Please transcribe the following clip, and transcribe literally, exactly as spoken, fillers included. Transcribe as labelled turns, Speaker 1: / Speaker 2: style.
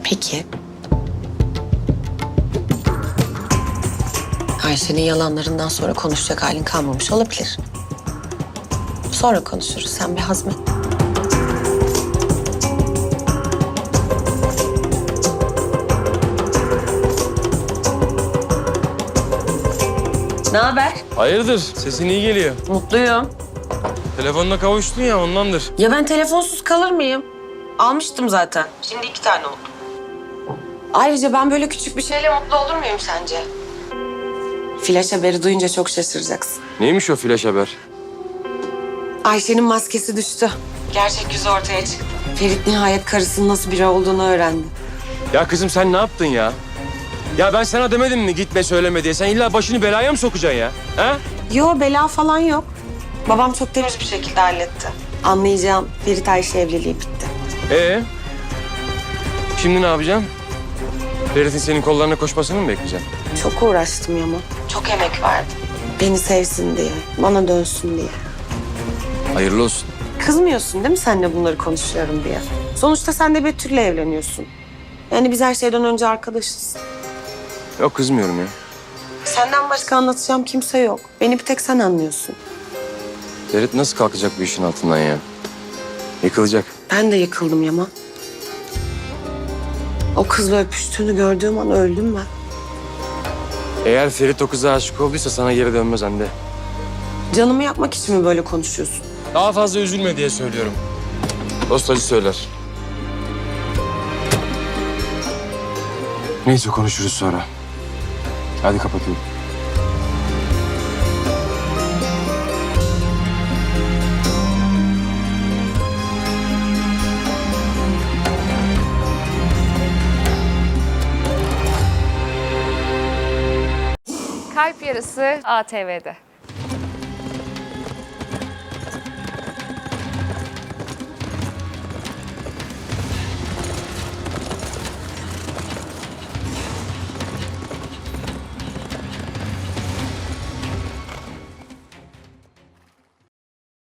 Speaker 1: Peki. Ayşe'nin yalanlarından sonra konuşacak halin kalmamış olabilir. Sonra konuşuruz. Sen bir hazmet. Ne haber?
Speaker 2: Hayırdır? Sesin iyi geliyor.
Speaker 1: Mutluyum.
Speaker 2: Telefonla kavuştun ya ondandır.
Speaker 1: Ya ben telefonsuz kalır mıyım? Almıştım zaten. Şimdi iki tane oldu. Ayrıca ben böyle küçük bir şeyle mutlu olur muyum sence? Flash haberi duyunca çok şaşıracaksın.
Speaker 2: Neymiş o flash haber?
Speaker 1: Ayşe'nin maskesi düştü. Gerçek yüzü ortaya çıktı. Ferit nihayet karısının nasıl biri olduğunu öğrendi.
Speaker 2: Ya kızım sen ne yaptın ya? Ya ben sana demedim mi gitme söyleme diye. Sen illa başını belaya mı sokacaksın ya? Ha?
Speaker 1: Yo, bela falan yok. Babam çok temiz bir şekilde halletti. Anlayacağım, Ferit Ayşe evliliği bitti.
Speaker 2: Ee? Şimdi ne yapacaksın? Ferit'in senin kollarına koşmasını mı bekleyeceksin?
Speaker 1: Çok uğraştım Yama. Çok emek verdim. Beni sevsin diye, bana dönsün diye.
Speaker 2: Hayırlı olsun.
Speaker 1: Kızmıyorsun değil mi seninle bunları konuşuyorum diye? Sonuçta sen de Betül'le evleniyorsun. Yani biz her şeyden önce arkadaşız.
Speaker 2: Yok kızmıyorum ya.
Speaker 1: Senden başka anlatacağım kimse yok. Beni bir tek sen anlıyorsun.
Speaker 2: Ferit nasıl kalkacak bu işin altından ya? Yıkılacak.
Speaker 1: Ben de yıkıldım Yama. O kızla öpüştüğünü gördüğüm an öldüm ben.
Speaker 2: Eğer Ferit o kıza aşık olduysa sana geri dönmez Hande.
Speaker 1: Canımı yakmak için mi böyle konuşuyorsun?
Speaker 2: Daha fazla üzülme diye söylüyorum. Dost acı söyler. Neyse konuşuruz sonra. Hadi kapatıyorum.
Speaker 3: Kalp Yarısı A T V'de.